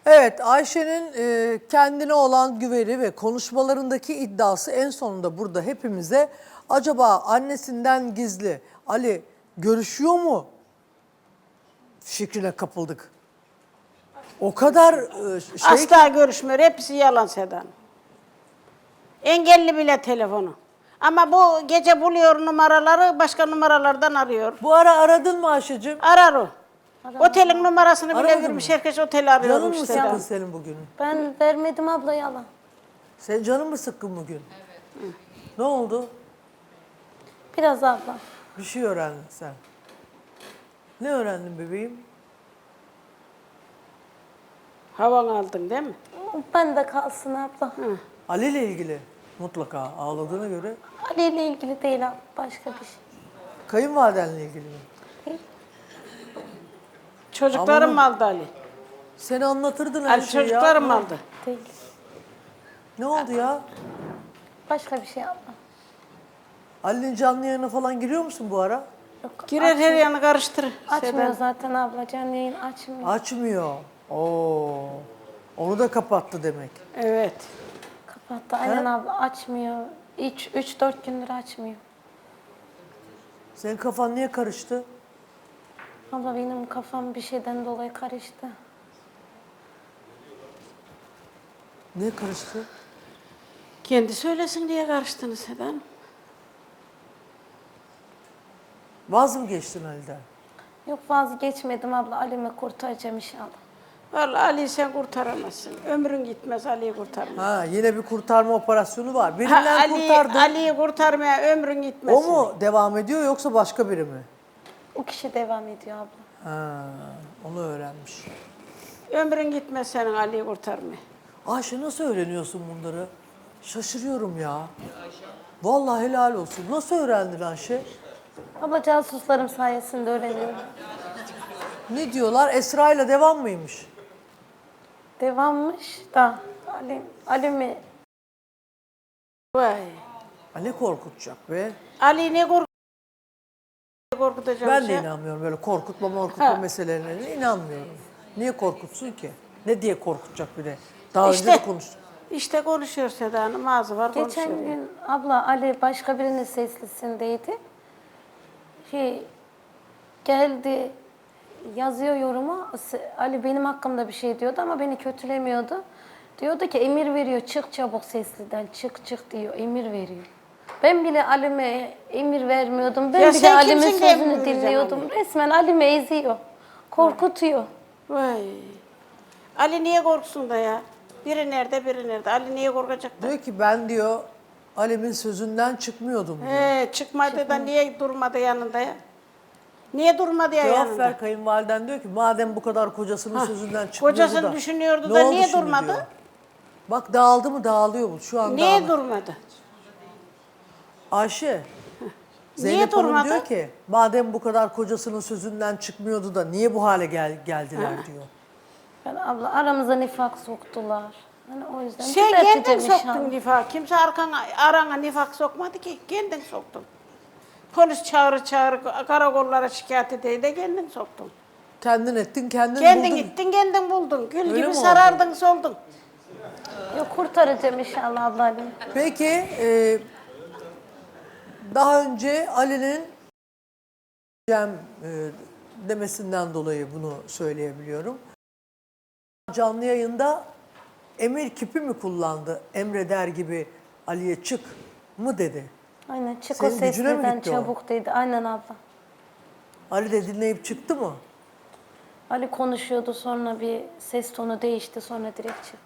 Evet, Ayşe'nin kendine olan güveni ve konuşmalarındaki iddiası en sonunda burada hepimize acaba annesinden gizli Ali görüşüyor mu fikrine kapıldık. O kadar Asla görüşmüyor. Hepsi yalan Sedan. Engelli bile telefonu. Ama bu gece buluyor numaraları, başka numaralardan arıyor. Bu ara aradın mı Ayşe'cim? Arar o. Otelin numarasını bile Aramadın vermiş. mı? Herkes oteli Canın arıyormuş mı Sedan. sıkkın senin bugün? Ben vermedim abla yalan. Senin canın mı sıkkın bugün? Evet. Ne oldu? Biraz abla. Bir şey öğrendin sen. Ne öğrendin bebeğim? Havan aldın değil mi? Ben de kalsın abla. Ali ile ilgili mutlaka ağladığına göre Ali ile ilgili değil abla. Başka bir şey. kayınvalidenle ilgili mi? Değil. Çocuklarım Ama- aldı Ali. Seni anlatırdın her Ali şeyi ya. çocuklarım aldı. Değil. Ne oldu ya? Başka bir şey abla. Ali'nin canlı yayına falan giriyor musun bu ara? Yok, Girer her yanı karıştırır. açmıyor Sedan. zaten abla. Canlı yayın açmıyor. Açmıyor. Oo. Onu da kapattı demek. Evet. Kapattı. Aynen abla açmıyor. 3-4 gündür açmıyor. Senin kafan niye karıştı? Abla benim kafam bir şeyden dolayı karıştı. Niye karıştı? Kendi söylesin diye karıştınız Sedan. Vaz mı geçtin Ali'den? Yok vazgeçmedim abla. Ali'mi kurtaracağım inşallah. Vallahi Ali'yi sen kurtaramazsın. Ömrün gitmez Ali'yi kurtarma. Ha, yine bir kurtarma operasyonu var. Birinden kurtardın. Ali'yi kurtarmaya ömrün gitmez. O mu devam ediyor yoksa başka biri mi? O kişi devam ediyor abla. Ha, onu öğrenmiş. Ömrün gitmez senin Ali'yi kurtarmaya. Ayşe nasıl öğreniyorsun bunları? Şaşırıyorum ya. Vallahi helal olsun. Nasıl öğrendin Ayşe? Abla casuslarım sayesinde öğreniyorum. Ne diyorlar? Esra ile devam mıymış? Devammış da Ali mi? Vay. Ali korkutacak be. Ali ne korkutacağım Ben de şey? inanmıyorum böyle korkutma Ha. meselelerine inanmıyorum. Niye korkutsun ki? Ne diye korkutacak bir de? Daha önce de konuştuk. İşte konuşuyor Seda Hanım, ağzı var Geçen konuşuyor. gün abla Ali başka birinin seslisindeydi. Geldi yazıyor yoruma. Ali benim hakkımda bir şey diyordu ama beni kötülemiyordu. Diyordu ki emir veriyor çık çabuk sesliden çık diyor emir veriyor. Ben bile Ali'me emir vermiyordum. Ben Ya bile sen Ali'min kimsin de emir sözünü vereceksin dinliyordum. Ali? Resmen Ali'mi eziyor. Korkutuyor. Vay. Ali niye korksun da ya? Biri nerede biri nerede? Ali niye korkacak da? Diyor ki ben diyor Ali'min sözünden çıkmıyordum diyor. Çıkmadı da niye durmadı yanında ya? Niye durmadı ya Cevap yanında? ver kayınvaliden diyor ki madem bu kadar kocasının sözünden çıkmıyordu Kocasını da. düşünüyordu ne da oldu niye şimdi durmadı? diyor. Bak dağıldı mı dağılıyor bu şu anda. Niye durmadı? Ayşe. Niye Zeynep Hanım durmadı? diyor ki madem bu kadar kocasının sözünden çıkmıyordu da niye bu hale geldiler diyor. Ben abla aramıza nifak soktular. Hani o yüzden Sen düzelteceğim kendin inşallah. soktun nifak. Kimse arana nifak sokmadı ki. Kendin soktun. Polis çağır karakollara şikayet edeydi de kendin soktun. Kendin ettin kendin Kendin buldun. gittin kendin buldun. Gül Öyle gibi mi sarardın soldun. Yok kurtaracağım inşallah abla Ali'mi. Peki daha önce Ali'nin demesinden dolayı bunu söyleyebiliyorum. Canlı yayında emir kipi mi kullandı? Emreder gibi Ali'ye çık mı dedi? Aynen çık Senin o gücüne mi sesliden gitti o? çabuk dedi. Aynen abla. Ali de dinleyip çıktı mı? Ali konuşuyordu sonra bir ses tonu değişti sonra direkt çıktı.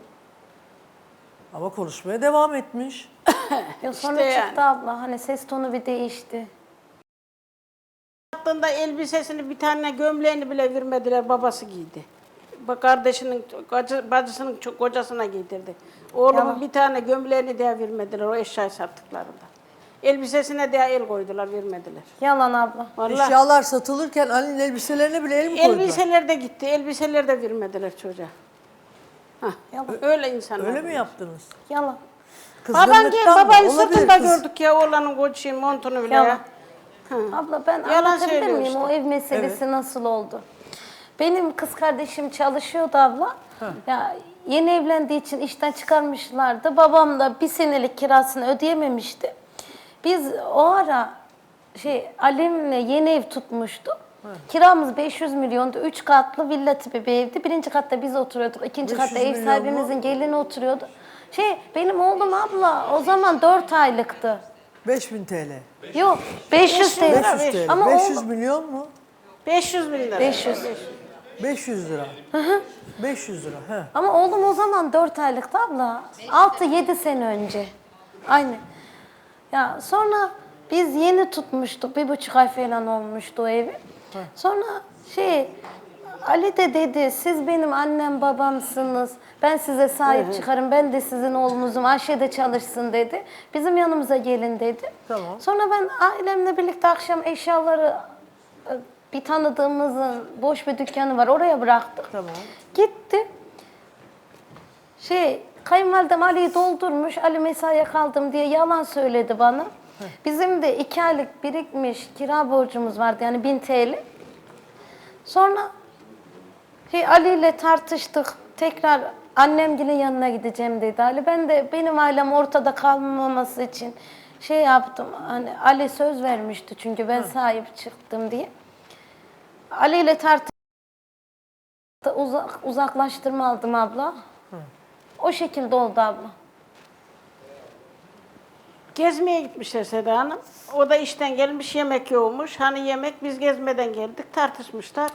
Ama konuşmaya devam etmiş. Ya sonra İşte çıktı abla hani ses tonu bir değişti. Attığında elbisesini bir tane gömleğini bile vermediler babası giydi. Bak kardeşinin, bacısının kocasına giydirdi. Oğlumun Yalan. bir tane gömleğini de vermediler o eşyayı sattıklarında. Elbisesine de el koydular vermediler. Yalan abla. Vallahi Eşyalar satılırken Ali'nin elbiselerine bile el mi koydular? elbiseler de gitti. Elbiseler de vermediler çocuğa. Hah, Yalan. öyle insanlar. Öyle mi yaptınız? Yalan. Baban gel, Kızgınlıktan mı? babayı Olabilir sırtında kız. gördük ya oğlanın koçu montunu bile Yalan. ya. Abla ben Yalan anlatabilir söylüyor miyim işte. o ev meselesi nasıl oldu? Benim kız kardeşim çalışıyordu abla. Ya yeni evlendiği için işten çıkarmışlardı. Babam da bir senelik kirasını ödeyememişti. Biz o ara Alim'le yeni ev tutmuştuk. Kiramız 500 milyondu. 3 katlı villa tipi bir evdi. Birinci katta biz oturuyorduk. İkinci 500 katta ev milyon sahibimizin gelini oturuyordu. Benim oğlum abla o zaman 4 aylıktı. 5000 TL. Yok 500 TL. 500 TL. Ama 500 oğlum, milyon mu? 500 bin lira. 500. 500 lira. 500 lira. He. Ama oğlum o zaman 4 aylıktı abla. 6-7 sene önce. Aynı. Ya sonra biz yeni tutmuştuk. 1,5 ay falan olmuştu o evi. Sonra Ali de dedi siz benim annem babamsınız. Ben size sahip çıkarım. Ben de sizin oğlunuzum. Ayşe de çalışsın dedi. Bizim yanımıza gelin dedi. Tamam. Sonra ben ailemle birlikte akşam eşyaları bir tanıdığımızın boş bir dükkanı var. Oraya bıraktık. Tamam. Gitti. Kayınvalidem Ali'yi doldurmuş. Ali mesaiye kaldım diye yalan söyledi bana. Bizim de 2 aylık birikmiş kira borcumuz vardı. Yani 1000 TL. Sonra Ali ile tartıştık. Tekrar annemgilin yanına gideceğim dedi Ali. Ben de benim ailem ortada kalmaması için yaptım. Hani Ali söz vermişti çünkü ben sahip çıktım diye. Ali ile tartıştık. Uzaklaştırma aldım abla. O şekilde oldu abla. Gezmeye gitmişler Seda Hanım. O da işten gelmiş, yemek yoğurmuş. Hani yemek, biz gezmeden geldik, tartışmışlar.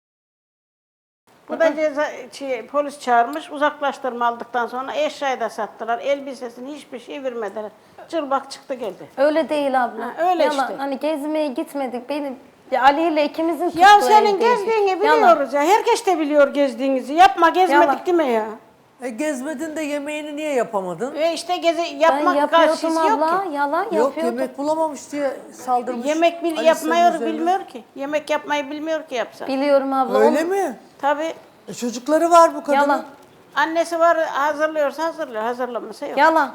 Bu da polis çağırmış, uzaklaştırma aldıktan sonra eşyayı da sattılar. Elbisesini hiçbir şey vermediler. Cılbak çıktı geldi. Öyle değil abla. Ha, öyle Yalan. işte. Hani gezmeye gitmedik. Ali ile ikimizin tuttuğu Ya senin evdeydik. gezdiğini Yalan. biliyoruz ya. Herkes de biliyor gezdiğinizi. Yapma, gezmedik Yalan. değil mi ya? Gezmedin de yemeğini niye yapamadın? İşte Ben yapmak yapıyordum karşısı yok abla. ki. Yalan Yok yapıyordum. yemek bulamamış diye saldırmış. Yemek Ali yapmıyor, senin üzerine. bilmiyor ki. Yemek yapmayı bilmiyor ki yapsa. Biliyorum abla. Öyle mi? Tabii. Çocukları var bu kadının. Yalan. Annesi var, hazırlıyorsa hazırlıyor, hazırlamasa yok. Yalan.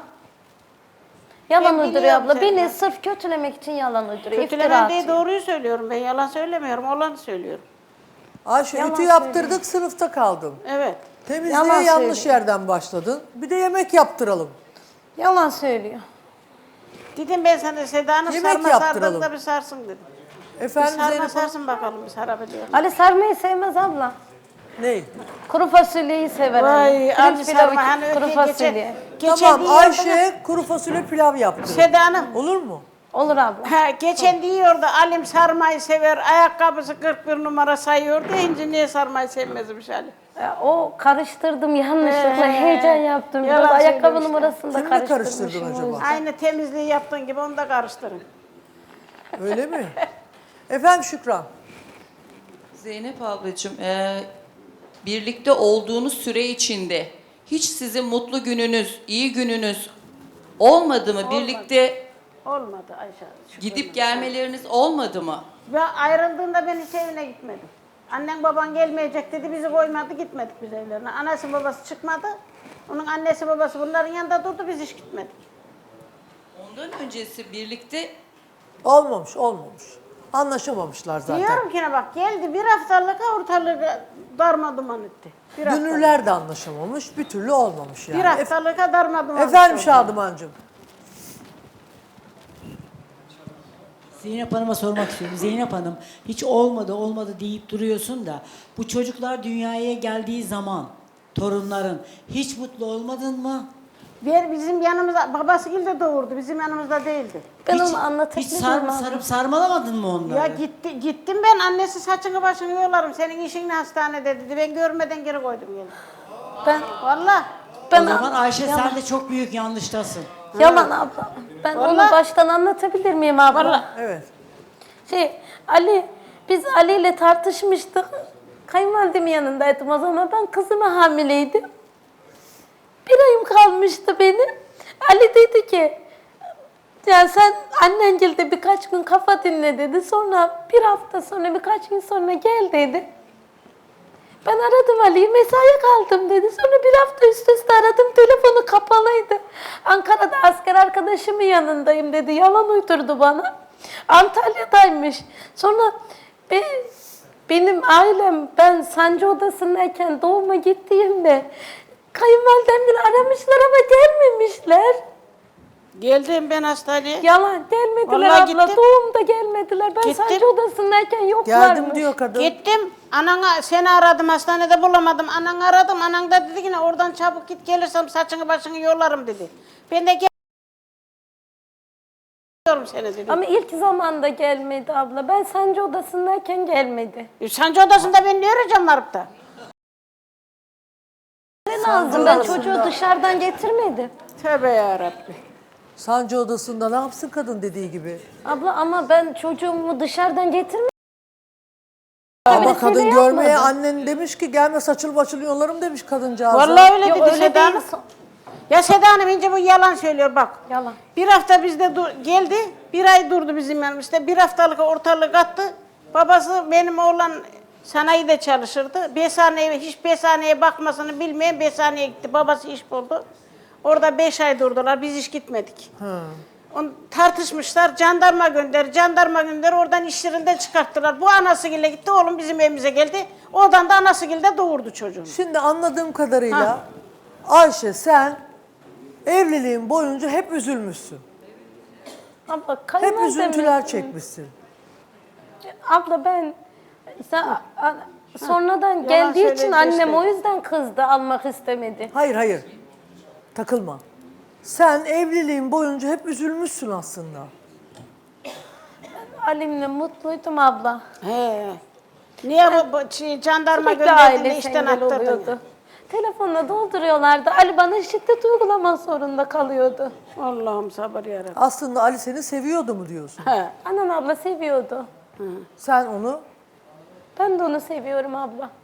Yalan Ben uyduruyor biliyorum abla. seni. Beni sırf kötülemek için yalan uyduruyor. İftira Kötülemen değil, atıyor. doğruyu söylüyorum. Ben yalan söylemiyorum, olanı söylüyorum. Ayşe Yalan ütü yaptırdık sınıfta kaldın. Evet. Temizliğe Yalan yanlış söylüyor. yerden başladın. Bir de yemek yaptıralım. Yalan söylüyor. Dedim ben sana Seda Hanım Yemek sarma yaptıralım. sardığında bir sarsın dedim. Bir Efendim sarma Zeynep Hanım? sarsın bakalım, bir sarabiliyor. Ali sarmayı sevmez abla. Ne? Kuru fasulyeyi sever. Vay, Ali. Ali Pirinç pilavı, sarma hani kuru öteki fasulye. geçen Tamam diyordu. Ayşe kuru fasulye pilav yaptı. Seda Hanım. Olur mu? Olur abla. Geçen diyordu Alim sarmayı sever, ayakkabısı 41 numara sayıyordu. İnce niye sarmayı sevmezmiş Ali? O karıştırdım yanlışlıkla. Heyecan yaptım. Biraz Yalan ayakkabı söylemişler. numarasını da Kimle karıştırmışım. karıştırdın o acaba? yüzden. Aynı temizliği yaptığın gibi onu da karıştırın. Öyle mi? Efendim Şükran. Zeynep ablacığım, birlikte olduğunuz süre içinde hiç sizin mutlu gününüz, iyi gününüz olmadı mı? Birlikte Olmadı Ayşe. gidip gelmeleriniz olmadı mı? Ve ayrıldığında ben hiç evine gitmedim. Annen baban gelmeyecek dedi, bizi koymadı, gitmedik biz evlerine. Anası babası çıkmadı. Onun annesi babası bunların yanında durdu, biz hiç gitmedik. Ondan öncesi birlikte Olmamış. Anlaşamamışlar zaten. Diyorum ki ne bak geldi bir haftalık ortalığı darma duman etti. Bir haftalık. Dünürler de anlaşamamış. Bir türlü olmamış yani. Bir haftalık darma duman Efendim etti. Şadımancığım. Zeynep Hanım'a sormak istiyorum. Zeynep Hanım hiç olmadı deyip duruyorsun da bu çocuklar dünyaya geldiği zaman torunların hiç mutlu olmadın mı? Bizim yanımızda, babası de doğurdu, bizim yanımızda değildi. Ben hiç, onu hiç anlatabilirim abla. sarıp sarmalamadın mı onları? Ya gittim ben, annesi saçını başını yolarım, senin işin ne hastanede dedi. Ben görmeden geri koydum geldim. Ben Vallahi. O zaman Ayşe sen de çok büyük yanlıştasın. yalan abla. Ben onu Vallahi. baştan anlatabilir miyim abla? Vallahi. Evet. Biz Ali ile tartışmıştık. Kayınvalidemin yanındaydım o zaman. Ben kızıma hamileydim. 1 ayım kalmıştı benim. Ali dedi ki, ya sen annengilde birkaç gün kafa dinle dedi. Sonra bir hafta sonra birkaç gün sonra gel dedi. Ben aradım Ali'yi, mesaiye kaldım dedi. Sonra bir hafta üst üste aradım, telefonu kapalıydı. Ankara'da asker arkadaşımın yanındayım dedi. Yalan uydurdu bana. Antalya'daymış. Sonra benim ailem, ben sancı odasındayken doğuma gittiğimde kayınvalidem bile aramışlar ama gelmemişler. Geldim ben hastaneye. Yalan, gelmediler Vallahi abla. gittim. Doğumda gelmediler. Ben Gittim. sancı odasındayken yoklarmış. Geldim diyor kadın. Gittim. Anana seni aradım hastanede bulamadım. Ananı aradım. Anan da dedi ki oradan çabuk git gelirsem saçını başını yollarım dedi. Ben de geliyorum seni dedi. Ama ilk zamanda gelmedi abla. Ben sancı odasındayken gelmedi. Sancı odasında ben ne arayacağım varıp da? Ne lazım? Ben çocuğu dışarıdan getirmedim. Tövbe yarabbi. Sancı odasında ne yapsın kadın dediği gibi. Abla ama ben çocuğumu dışarıdan getirmedim. Ama Öyle kadın söyle görmeye yapmadı. annen demiş ki gelme saçıl başıl yollarım demiş kadıncağıza. Vallahi öyle Yok dedi öyle Seda değil. Hanım. Ya Seda Hanım ince bu yalan söylüyor bak. Yalan. Bir hafta bizde geldi. Bir ay durdu bizim yanımızda. Bir haftalık ortalık attı. Babası benim oğlan sanayide çalışırdı. Hiç besaneye bakmasını bilmeyen besaneye gitti. Babası iş buldu. Orada 5 ay durdular. Biz hiç gitmedik. Tartışmışlar. Jandarma gönder. Oradan iş yerinden çıkarttılar. Bu anasıyla gitti. Oğlum bizim evimize geldi. Oradan da anasıyla doğurdu çocuğunu. Şimdi anladığım kadarıyla Ayşe sen evliliğin boyunca hep üzülmüşsün. Abla Hep kayınvalidem- üzüntüler çekmişsin. Abla ben sonradan geldiği için söyleyince annem işte. o yüzden kızdı, almak istemedi. Hayır. Takılma. Sen evliliğin boyunca hep üzülmüşsün aslında. Halimle mutluydum abla. He. Niye jandarma Sürekli gönderdiğinde ailesi işten engel attırdın? oluyordu. Telefonla dolduruyorlardı. Ali bana şiddet uygulamak zorunda kalıyordu. Allah'ım sabır yarabbim. Aslında Ali seni seviyordu mu diyorsun? He. Anan abla seviyordu. Sen onu Ben de onu seviyorum abla.